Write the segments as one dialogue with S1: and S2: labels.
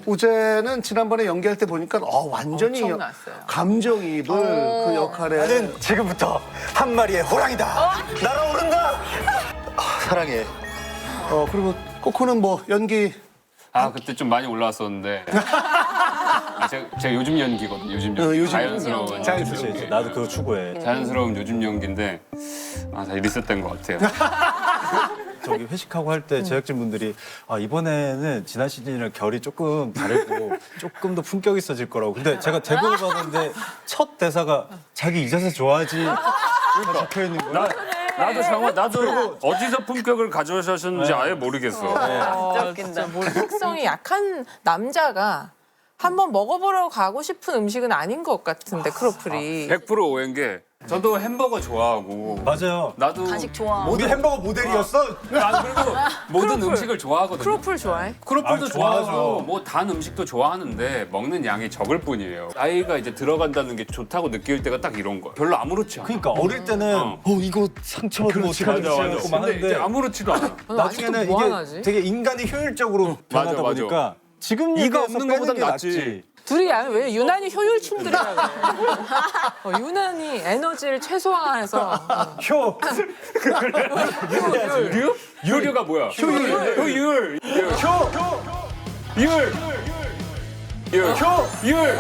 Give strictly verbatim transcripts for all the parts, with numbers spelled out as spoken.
S1: 우재는 지난번에 연기할 때 보니까 어, 완전히
S2: 엄청났어요.
S1: 감정이입을 그 역할에
S3: 나는 지금부터 한 마리의 호랑이다. 날아오른다. 아, 사랑해.
S1: 어 그리고 코코는 뭐 연기
S4: 아 그때 좀 많이 올라왔었는데 아, 제가, 제가 요즘 연기거든요. 요즘 연기.
S1: 어, 요즘
S4: 자연스러운
S1: 연기.
S4: 자연스러운
S3: 그렇지,
S4: 연기.
S3: 나도 그거 추구해.
S4: 자연스러운 요즘 연기인데 아, 다 리셋된 것 같아요.
S3: 저기 회식하고 할 때 제작진 분들이 아, 이번에는 지난 시즌이랑 결이 조금 다르고 조금 더 품격 있어질 거라고. 근데 제가 대본을 봤는데 첫 대사가 자기 이 자세 좋아하지 적혀 있는 거야.
S4: 나, 나도 정말 나도 어디서 품격을 가져오셨는지 아예 모르겠어.
S2: 진짜 웃긴다. 뭐 특성이 약한 남자가 한번 먹어보러 가고 싶은 음식은 아닌 것 같은데 크로플이.
S4: 백 퍼센트 오해인 게 저도 햄버거 좋아하고
S3: 맞아요.
S4: 나도
S5: 간식 좋아.
S3: 우리 햄버거 모델이었어?
S4: 난 그리고 모든
S2: 크로플.
S4: 음식을 좋아하거든요.
S2: 크로플 좋아해?
S4: 크로플도
S3: 아, 좋아하죠.
S4: 좋아하고 뭐 단 음식도 좋아하는데 먹는 양이 적을 뿐이에요. 나이가 이제 들어간다는 게 좋다고 느낄 때가 딱 이런 거야. 별로 아무렇지 않아.
S3: 그러니까 어릴 때는
S4: 어.
S3: 어, 이거 상처받으면 어떡하지?
S4: 맞아 맞아.
S3: 이러고 막
S4: 근데 이제
S3: 하는데
S4: 아무렇지도 않아.
S3: 나중에는
S2: 아직도 뭐
S3: 이게
S2: 하나지?
S3: 되게 인간이 효율적으로 변하다
S4: 맞아, 맞아.
S3: 보니까 지금
S4: 이가
S3: 얘기해서
S4: 없는
S3: 빼는
S4: 것보단
S3: 게
S4: 낫지.
S3: 낫지.
S2: 둘이 아, 왜 유난히 효율충들이라 그래. 어, 유난히 에너지를 최소화해서 어.
S3: 효.
S4: 유류? 유류가 뭐야? 효율. 효율. 효. 율. 율. 효. 율.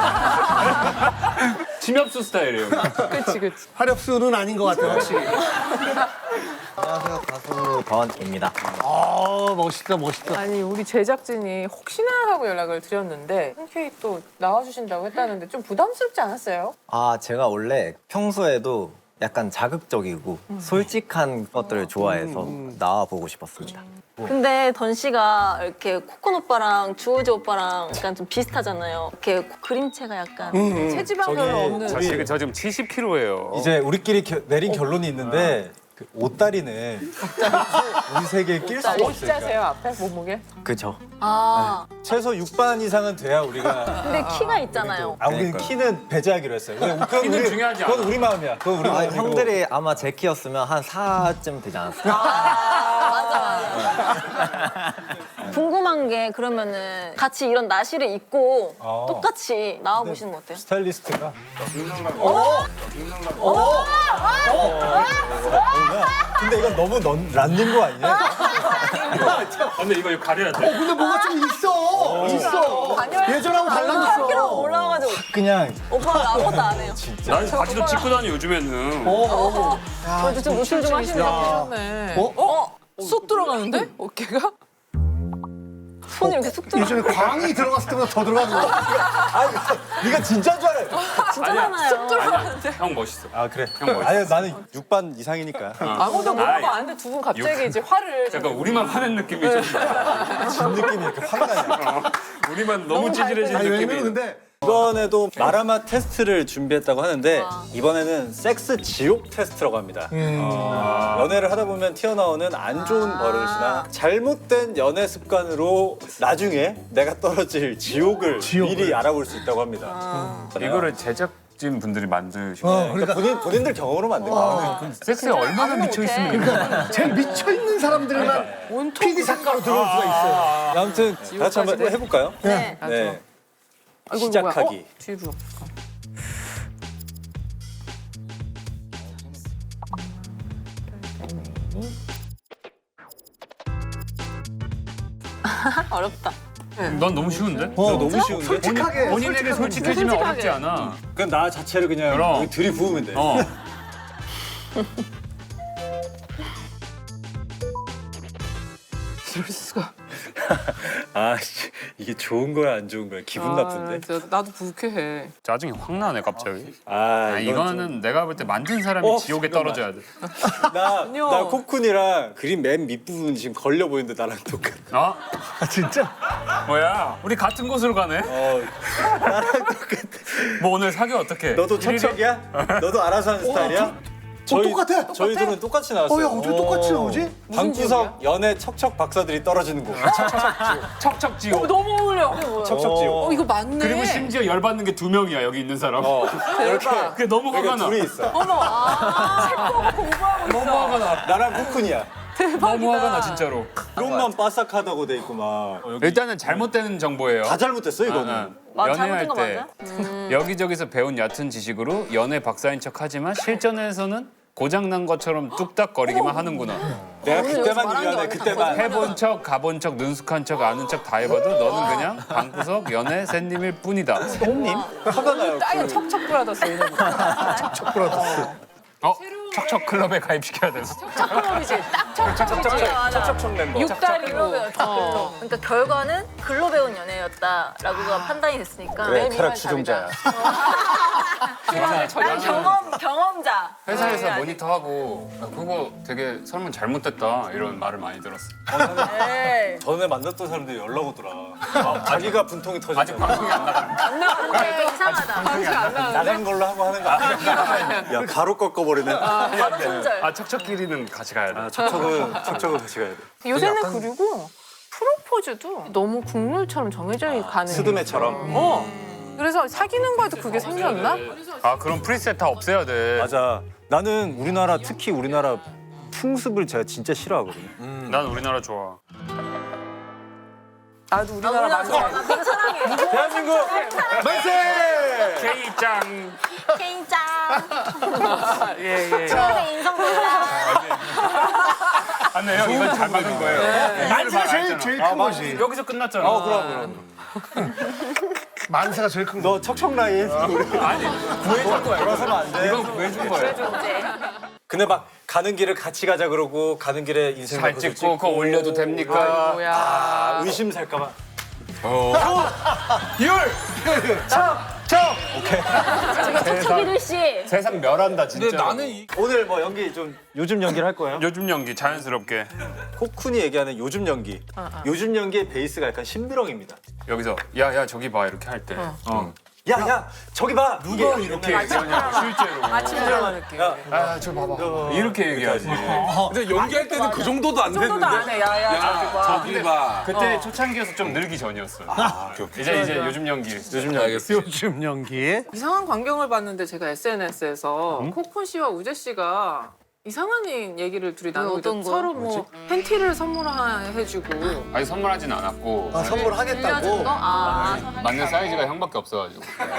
S4: 침엽수 스타일이에요.
S2: 그치 그치.
S1: 화력수는 아닌 것 같아요 확실히.
S6: 안녕하세요. 가수 더원입니다.
S1: 아 멋있다 멋있다.
S2: 아니 우리 제작진이 혹시나 하고 연락을 드렸는데 흔쾌히 또 나와주신다고 했다는데 좀 부담스럽지 않았어요?
S6: 아, 제가 원래 평소에도 약간 자극적이고 솔직한 것들을 좋아해서 나와보고 싶었습니다.
S5: 근데 던 씨가 이렇게 코콘 오빠랑 주호지 오빠랑 약간 좀 비슷하잖아요. 이렇게 그림체가 약간.
S2: 체지방 별로 없는.
S4: 저 지금 저 지금 칠십 킬로예요.
S3: 이제 우리끼리 겨- 내린 결론이 있는데 그 옷다리는 우리 세계에 낄 수가 없으니까
S2: 옷자세요 앞에 몸무게?
S6: 그죠?
S5: 아,
S3: 최소 육 반 이상은 돼야 우리가
S5: 근데 키가 있잖아요.
S3: 아 우리는
S6: 그러니까요.
S3: 키는 배제하기로 했어요. 근데 그건
S4: 키는
S3: 우리,
S4: 중요하지
S3: 그건
S4: 않아.
S3: 우리 마음이야. 그건 우리
S6: 아,
S3: 마음이고.
S6: 형들이 아마 제 키였으면 한 사쯤 되지 않았을까?
S5: 맞아, 맞아. 궁금한 게 그러면은 같이 이런 나시를 입고
S3: 어.
S5: 똑같이 나와보시는 거 어때요?
S3: 스타일리스트가 근데 이건 너무 넌, 란닌 거 아니냐?
S4: 근데 이거 가려야 돼.
S1: 근데 뭐가 좀 있어 있어. 예전하고
S5: 한 킬로
S1: 달라졌어.
S5: 올라와가지고
S3: 그냥
S5: 오빠가 아무것도 안 해요.
S4: 난 바지도 찍고 다니 요즘에는.
S5: 그래도 좀 노출 좀 하시네요.
S2: 하셨네.
S1: 어?
S2: 어? 쏙 들어가는데? 어깨가?
S5: 손이 이렇게 쑥 들어.
S1: 예전에 광이 들어갔을 때보다 더 들어가는 거.
S3: 아 이거 진짜인 줄 알아요.
S5: 진짜 많아요.
S4: 형 멋있어.
S3: 아 그래.
S4: 형 멋있어.
S3: 아니 나는 육 반 이상이니까.
S2: 아무도 물어봐
S4: 아이.
S2: 안 했는데 두 분 갑자기 이제 화를.
S4: 약간 우리만 화낸 느낌이 좀 나.
S3: 진 느낌이 이렇게 확 나냐.
S4: 우리만 너무 찌질해진
S1: 아니
S4: 느낌이.
S1: 왜냐면 근데
S3: 이번에도 마라마 테스트를 준비했다고 하는데 이번에는 섹스 지옥 테스트라고 합니다. 어, 연애를 하다 보면 튀어나오는 안 좋은 버릇이나 잘못된 연애 습관으로 나중에 내가 떨어질 지옥을,
S1: 지옥을.
S3: 미리 알아볼 수 있다고 합니다.
S4: 이거를 제작진 분들이 만드시고
S1: 어,
S3: 그러니까 본인, 본인들 경험으로 만든 거예요.
S4: 섹스에 얼마나 미쳐 있으면
S1: 제일 미쳐 있는 사람들만
S2: 온통
S1: 피디 작가로 들어올 수가 있어요.
S3: 아무튼 다 같이 한번
S2: 지옥까지
S3: 해볼까요?
S5: 네.
S2: 아,
S3: 네.
S2: 아이고,
S3: 시작하기.
S2: 뭐야? 어? 뒤로.
S5: 어렵다.
S4: 넌 너무 쉬운데?
S3: 어, 너무 쉬운데?
S1: 솔직하게
S4: 본인에게 솔직해지면
S5: 솔직하게.
S4: 어렵지 않아.
S3: 그냥 나 자체를 그냥
S4: 그럼.
S3: 여기 들이부으면 돼.
S4: 어.
S2: 이럴 수가.
S3: 아씨 이게 좋은 거야 안 좋은 거야 기분 나쁜데.
S2: 진짜 나도 불쾌해.
S4: 짜증이 확 나네 갑자기.
S3: 아,
S4: 아,
S3: 이건
S4: 이거는 내가 볼 때 만든 사람이
S3: 어,
S4: 지옥에
S3: 잠깐만.
S4: 떨어져야 돼.
S3: 좀- 나,
S2: 아니요.
S3: 나 코쿤이랑 그림 맨 밑부분 지금 걸려 보이는데 나랑 똑같아.
S4: 어?
S1: 아, 진짜?
S4: 뭐야? 우리 같은 곳으로 가네?
S3: 어, 나랑 똑같아.
S4: 뭐 오늘 사귀어 어떻게?
S3: 너도
S4: 일일이?
S3: 척척이야? 너도 알아서 하는 스타일이야?
S1: 똑같아.
S3: 저희 둘은 똑같이 나왔어요.
S1: 어, 야, 어떻게 똑같이 나오지?
S3: 방구석 연애 척척 박사들이 떨어지는 곳.
S4: 척척 지옥.
S2: 너무 어울려.
S3: 척척 지옥.
S2: 어 이거 맞네.
S4: 그리고 심지어 열받는 게 두 명이야 여기 있는 사람.
S3: 어, 이렇게
S4: 그게 너무 화가
S3: 그러니까
S4: 나.
S3: 둘이 있어.
S2: 어머, 아, 책 보고 공부하고 있어.
S4: 너무 화가 나.
S3: 나랑 코쿤이야.
S4: 너무 화가 나 진짜로.
S3: 그것만 바삭하다고 돼 있고 막.
S4: 일단은 잘못된 정보예요.
S3: 다 잘못됐어 이거는.
S5: 맞-
S4: 연애할
S5: 잘못된 거
S4: 때
S5: 맞아요?
S4: 여기저기서 배운 얕은 지식으로 연애 박사인 척하지만 실전에서는 고장난 것처럼 뚝딱거리기만 하는구나.
S3: 내가 그때만 유연해 그때만.
S4: 해본 척, 가본 척, 능숙한 척, 아는 척 다 해봐도 너는 그냥 방구석 연애 샌님일 뿐이다.
S3: 홈님? 화가 나요.
S2: 아예 척척 브라더스 이런 거.
S4: 어? 척척 클럽에 가입시켜야 돼.
S2: 척척클럽이지. 딱 척척이지.
S3: 척척척 멤버.
S2: 육다리고. 어.
S5: 그러니까 결과는 글로 배운 연애였다라고가 판단이 됐으니까.
S3: 그래
S2: 매일
S3: 쾌락 추종자야.
S5: 난 경험 경험자.
S4: 회사에서
S5: 아니,
S4: 모니터하고 야, 그거 되게 설문 잘못됐다 이런 말을 많이 들었어.
S5: 네.
S3: 전에 만났던 사람들이 연락 오더라. 아, 자기가 분통이
S4: 아직
S3: 터졌잖아.
S4: 방송이 안 나가.
S5: 근데 이상하다.
S3: 나간 걸로 하고 하는 거 아니야? 야 가로 꺾어버리네.
S5: 바로 손절.
S4: 아 척척끼리는 같이 가야 돼.
S3: 아, 척척은 척척은 같이 가야 돼.
S2: 요새는 그리고 프로포즈도 너무 국룰처럼 정해져 가는.
S3: 스드메처럼.
S2: 어. 그래서 사귀는 거에도 그게 생겼나?
S4: 아 그럼 프리셋 다 없애야 돼.
S3: 맞아. 나는 우리나라 특히 우리나라 풍습을 제가 진짜 싫어하거든요.
S4: 난 우리나라 좋아.
S2: 나도 우리나라
S5: 나
S2: 맞아.
S5: 나 되게 사랑해.
S3: 대한민국 만세!
S4: K짱.
S5: 개인짱.
S4: 예예.
S5: 최근에 인성보다.
S4: 안네요. 이건 잘 맞은 거예요.
S1: 만세가 제일 제일 큰 거지.
S4: 여기서 끝났잖아.
S3: 어 그럼 그럼.
S1: 만세가 제일 큰 거.
S3: 너 척척 라인 우리
S4: 아니 구해준 거야.
S3: 돌아서면 안 돼.
S4: 이건 구해준 거야.
S3: 근데 막 가는 길을 같이 가자 그러고 가는 길에 인생
S4: 잘 찍고 그거 올려도 됩니까?
S2: 뭐야.
S3: 아, 의심 살까봐.
S5: 척척이를 씨.
S4: 세상 멸한다 진짜.
S3: 오늘 뭐 연기 좀 요즘 연기를 할 거예요?
S4: 요즘 연기 자연스럽게
S3: 코쿤이 얘기하는 요즘 연기. 요즘 연기의 베이스가 약간 심드렁입니다.
S4: 여기서 야야 저기 봐 이렇게 할 때. 어.
S3: 야, 야, 저기 봐. 누가
S4: 이렇게 얘기하냐고 실제로.
S2: 아침 드라마 느낌.
S4: 아저 봐봐. 이렇게 얘기하지.
S7: 근데 연기할 때는 그 정도도 안
S2: 정도도
S7: 됐는데.
S2: 안 해. 야야 저기 봐.
S7: 저기 봐.
S4: 그때 초창기여서 좀 늘기 전이었어. 이제 이제 요즘 연기.
S3: 요즘 연기.
S1: 요즘 연기.
S2: 이상한 광경을 봤는데 제가 에스엔에스에서 코쿤 씨와 우재 씨가 이상한 얘기를 둘이 나누고
S5: 어떤
S2: 있는데
S5: 거?
S2: 서로 뭐 팬티를 선물해주고
S4: 아니 선물하진 않았고
S1: 아, 선물하겠다고.
S5: 빌려준 거? 아.
S4: 맞는 사이즈가 형밖에 없어가지고.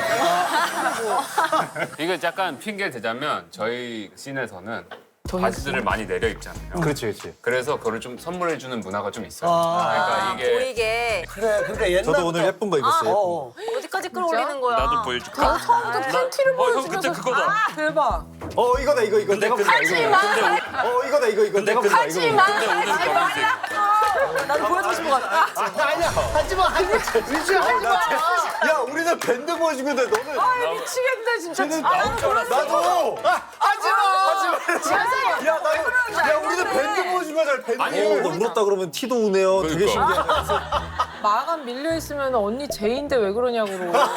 S4: 이거 약간 핑계 대자면 저희 씬에서는 바지들을 많이 내려 입잖아요.
S3: 그렇지, 그렇지.
S4: 그래서 그걸 좀 선물해주는 문화가 좀 있어요.
S1: 아.
S4: 그러니까 이게
S5: 보이게.
S1: 그래, 그러니까 옛날.
S3: 저도 오늘 예쁜 거 입었어요.
S1: 어.
S5: 어디까지 끌어올리는 거야?
S4: 나도 보여줄까?
S2: 처음부터 팬티를
S4: 어, 형
S2: 보여주면서
S4: 그때 그거다.
S2: 아, 대박.
S3: 어, 이거다, 이거, 이거. 내가 끈다,
S2: 하지
S3: 이거.
S2: 마.
S3: 어, 이거다, 이거, 이거. 내가 끈다,
S2: 하지
S3: 이거.
S2: 마.
S4: 근데 오늘 검은색.
S5: 나도 보여주고 싶은 거 같아.
S1: 아니야, 하지마, 하지마. 유지야, 하지마.
S3: 야, 우리는 밴드 보여주고 있는데 너는.
S2: 아 미치겠네 진짜. 아, 나는 그런
S3: 나도! 아, 하지마! 하지마! 야, 나도. 야, 우리는 밴드 보여주고 하자, 밴드. 아니, 너 울었다 그러면 티도 우네요. 되게
S4: 그러니까.
S3: 신기하네.
S2: 마감 밀려 있으면 언니 제인데 왜 그러냐고.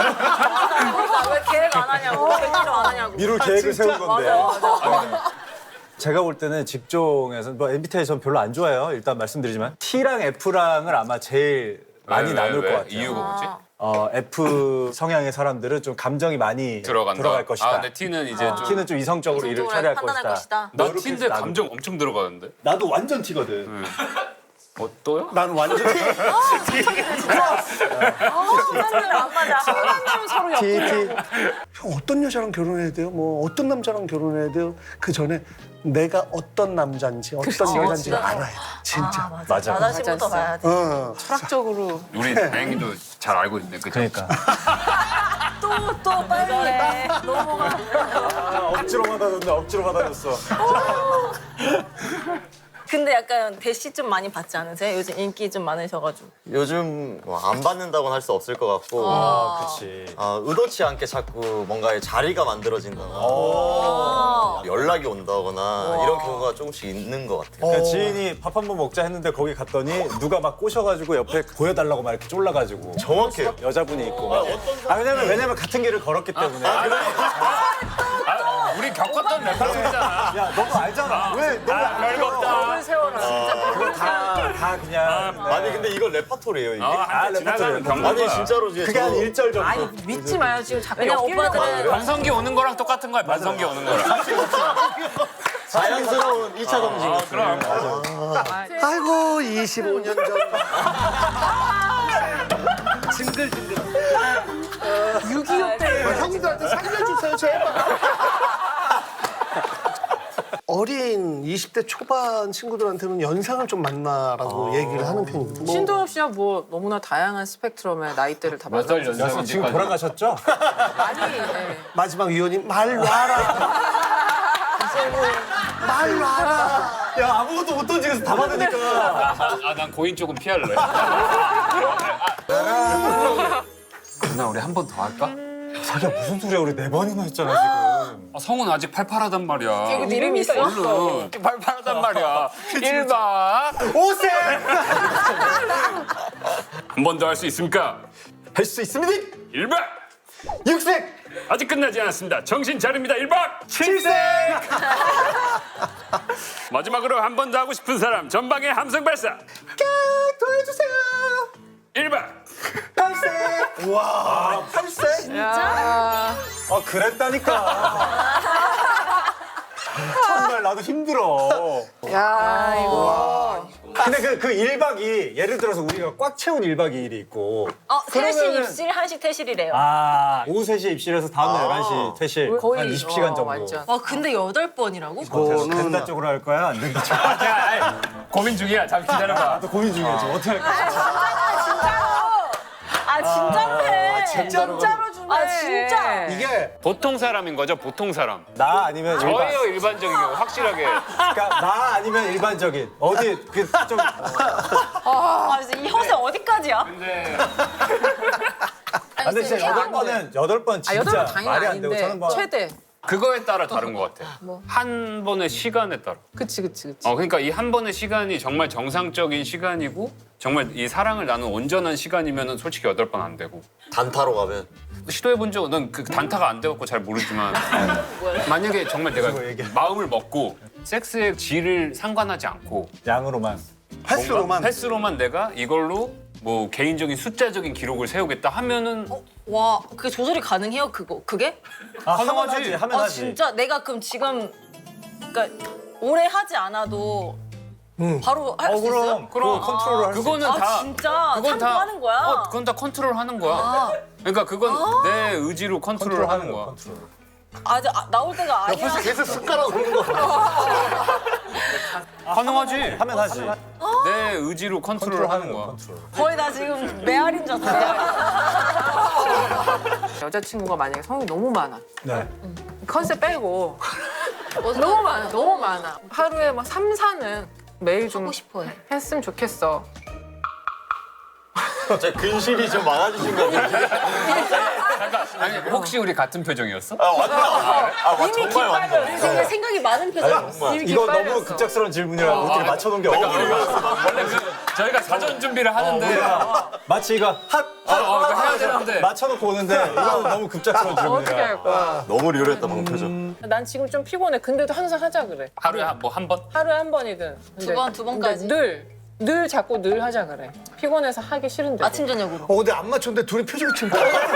S5: 왜 계획 안 하냐고. 객기를 안 하냐고.
S3: 미룰 계획을 세운 건데.
S5: 맞아, 맞아.
S3: 제가 볼 때는 직종에서 뭐 엠비티아이 전 별로 안 좋아해요. 일단 말씀드리지만 T랑 F랑을 아마 제일 많이
S4: 왜,
S3: 나눌
S4: 왜,
S3: 것
S4: 왜?
S3: 같아요.
S4: 이유가 뭐지?
S3: 어, F 성향의 사람들은 좀 감정이 많이
S4: 들어간다.
S3: 들어갈 것이다.
S4: 아, 근데 T는 이제 좀.
S3: T는 좀 이성적으로 일을
S5: 이성적으로
S3: 처리할
S5: 판단할
S3: 것이다.
S5: 것이다.
S4: 나 T인데 감정 엄청 들어가는데.
S3: 나도 완전 T거든.
S4: 어 또요?
S1: 난 완전.
S5: 안 맞아.
S2: 만나면 서로 옆.
S3: T, T.
S1: 형 어떤 여자랑 결혼해야 돼요? 뭐 어떤 남자랑 결혼해야 돼요? 그 전에 내가 어떤 남자인지 어떤 여자인지를 알아야 돼. 진짜.
S3: 맞아.
S5: 나다시부터
S2: 맞아,
S5: 봐야 돼.
S1: 어.
S2: 철학적으로.
S4: 우리 다행히도 잘 알고 있네. 그죠?
S3: 그러니까.
S5: 또, 또 빨리 해. 넘어가.
S3: 아, 억지로 받아줬네. 억지로 받아줬어.
S5: 근데 약간 대시 좀 많이 받지 않으세요? 요즘 인기 좀 많으셔가지고.
S8: 요즘 뭐안 받는다고는 할 수 없을 것 같고
S3: 아, 그치.
S8: 아, 의도치 않게 자꾸 뭔가의 자리가 만들어진다거나
S5: 아.
S8: 연락이 온다거나 이런 경우가 조금씩 있는 것 같아요.
S3: 그러니까 지인이 밥 한 번 먹자 했는데 거기 갔더니 누가 막 꼬셔가지고 옆에 보여달라고 막 이렇게 쫄라가지고
S8: 정확해요.
S3: 여자분이 있고 막. 아 왜냐면 왜냐면 같은 길을 걸었기 때문에.
S4: 아, 우리 겪었던 레퍼토리잖아.
S3: 야 너도 알잖아. 왜 너무
S4: 아, 별거 없다.
S2: 세워라 진짜.
S3: 그거 다, 다 그냥. 네.
S8: 아니 근데 이거 레파토리예요 이게.
S4: 어, 한테 지나가면 겪는
S8: 아니
S4: 거야.
S8: 진짜로 이제
S3: 그게 한
S8: 저-
S3: 일절 정도.
S2: 아니 믿지 마요 지금 자꾸
S5: 왜냐면
S2: 엮이려고
S5: 오빠들은
S2: 하는 거야.
S4: 반성기 오는 거랑 똑같은 거야. 반성기 오는 거랑.
S8: 자연스러운 이 차 검증.
S4: 아, 그럼.
S1: 아이고 이십오 년 전. 징글징글.
S2: 육이오 때
S1: 형들한테 살려주세요 제발. 어린 이십 대 초반 친구들한테는 연상을 좀 만나라고 얘기를 하는 편이거든요. 뭐
S2: 신동엽 씨야 뭐 너무나 다양한 스펙트럼의 나이대를 다
S4: 몇 살
S2: 맞아.
S4: 연상인지
S3: 지금 돌아가셨죠?
S2: 많이 예.
S1: 마지막 위원님 말 놔라. 말 놔라.
S3: 야 아무것도 못 던지면서 다 받으니까.
S4: 아, 난 고인 쪽은 피할래. 누나 우리 한 번 더 할까?
S3: 자기야 무슨 소리야 우리 네 번이나 했잖아 지금.
S4: 아, 성은 아직 팔팔하단 말이야.
S2: 이거 이름이 있어.
S4: 얼른. 팔팔하단 말이야. 일 박.
S3: 오세.
S4: 한 번 더 할 수 있습니까?
S3: 할 수 있습니다.
S4: 일 박.
S3: 육색.
S4: 아직 끝나지 않았습니다. 정신 차립니다. 일 박.
S3: 칠색.
S4: 마지막으로 한 번 더 하고 싶은 사람 전방에 함성 발사.
S3: 도와주세요.
S4: 일 박.
S3: 팔색. 와 팔색.
S2: 야.
S3: 아 그랬다니까. 정말 나도 힘들어.
S2: 야 이거.
S3: 근데 그, 그 일 박이 예를 들어서 우리가 꽉 채운 일 박 이 일이 있고
S5: 어, 세 시
S3: 그러면은-
S5: 입실, 한 시 퇴실이래요.
S3: 아 오후 세 시에 입실해서 다음날 열한 시 퇴실
S2: 거의
S3: 한 이십 시간
S2: 어,
S3: 정도.
S2: 완전.
S5: 와, 근데 여덟 번이라고?
S3: 어때서 된다 쪽으로 할 거야? 안 된다 쪽으로 할 거야?
S4: 고민 중이야. 잠시 기다려봐.
S3: 나도 고민 중이야 지금 어떻게 할 거야?
S5: 아, 진짜로 해.
S2: 진짜로 주네.
S5: 아, 진짜?
S1: 이게
S4: 보통 사람인 거죠? 보통 사람.
S3: 나 아니면 일반
S4: 저예요 일반적인 경우 확실하게.
S3: 그러니까 나 아니면 일반적인 어디 그좀
S5: 아, 진짜 이 허세 어디까지야?
S4: 근데
S3: 근데 진짜 여덟 번은 여덟 번
S2: 아 여덟
S3: 진짜
S2: 번 당연히
S3: 말이 안 되고
S2: 아닌데
S3: 저는 뭐
S2: 최대.
S4: 그거에 따라 다른 것 같아. 한 번의 시간에 따라.
S2: 그치 그치 그치.
S4: 어 그러니까 이 한 번의 시간이 정말 정상적인 시간이고 정말 이 사랑을 나눈 온전한 시간이면은 솔직히 여덟 번 안 되고.
S8: 단타로 가면
S4: 시도해 본 적은 넌 그 단타가 안 돼갖고 잘 모르지만 만약에 정말 내가
S3: 그거 얘기해.
S4: 마음을 먹고 섹스의 질을 상관하지 않고
S3: 양으로만
S1: 횟수로만
S4: 횟수로만 내가 이걸로 뭐 개인적인 숫자적인 기록을 세우겠다 하면은
S5: 와, 그게 조절이 가능해요, 그거? 그게?
S3: 아, 하면
S4: 가능하지.
S3: 하지 하면
S5: 아,
S3: 하지.
S5: 진짜? 내가 그럼 지금, 그러니까 오래 하지 않아도 바로 할
S3: 어
S5: 수 있어요?
S3: 그럼 그럼 컨트롤을 할 수.
S4: 그거는
S5: 아,
S4: 다
S5: 진짜?
S4: 그건 다
S5: 참고하는 거야?
S4: 어, 그건 다 컨트롤하는 거야.
S5: 아.
S4: 그러니까 그건 내 의지로 컨트롤하는
S3: 컨트롤하는
S4: 거야.
S3: 거 컨트롤.
S5: 아, 저, 아, 나올 때가 아니야.
S1: 계속 숟가락 오는 거.
S4: 가능하지.
S3: 하면 하지.
S4: 내 의지로 컨트롤하는 거야.
S3: 컨트롤.
S5: 거의 나 지금 메아리인 줄 알았어, 메아리.
S2: 여자친구가 만약에 성이 너무 많아.
S3: 네.
S2: 컨셉 빼고 너무 많아 너무 많아. 하루에 막 삼, 사는 매일 좀
S5: 하고 싶어요.
S2: 했으면 좋겠어.
S8: 제 근실이 좀 많아지신 것 같아요.
S4: 잠깐 아니 혹시 우리 같은 표정이었어?
S8: 아 완전. 아 와,
S2: 이미
S8: 정말 완전.
S2: 기빨려.
S5: 되게 생각이 많은 표정이었어.
S2: 이미
S3: 이거
S2: 기빨렸어.
S3: 너무 급작스러운 질문이라 우리끼리 맞춰놓은 게 없어.
S4: 원래 그 저희가 사전 준비를 하는데
S3: 마치 이거 핫
S4: 어, 어, 이거 해야 되는데
S3: 맞춰놓고 오는데 이거 너무 급작스러운
S2: 어떻게
S3: 질문이라.
S2: 할 거야?
S8: 너무 리얼했다 방금 표정.
S2: 난 지금 좀 피곤해. 근데도 항상 하자 그래.
S4: 하루에 뭐 한 번?
S2: 하루에 한 번이든.
S5: 두 번, 두 번까지?
S2: 근데 늘, 늘 자꾸 늘 하자 그래. 피곤해서 하기 싫은데.
S5: 아침, 저녁으로.
S1: 어 근데 안 맞췄는데 둘이 표정이 지금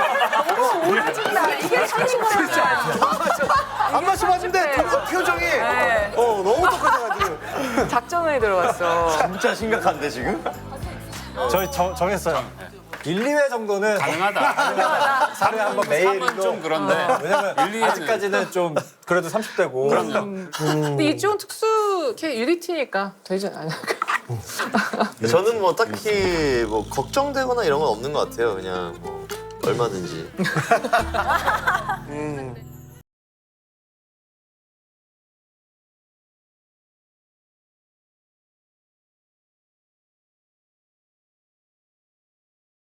S2: 나 이게 천인 거야.
S1: 안 맞춰봤는데 둘이 표정이
S2: 네.
S1: 어 너무 똑같아가지고.
S2: 작전에 들어갔어.
S3: 진짜 심각한데 지금? 저희 정, 정했어요. 일, 이 회 정도는
S4: 가능하다.
S3: 하루에 한 번 매일로.
S4: 삼은 좀 그런데.
S3: 왜냐면
S4: 일, 이 회는
S3: 아직까지는 좀 그래도 삼십 대고.
S2: 근데 이쪽은 특수 걔 유니티니까 되지 않아.
S8: 저는 뭐 딱히 뭐 걱정되거나 이런 건 없는 것 같아요. 그냥 뭐 얼마든지.
S1: 음.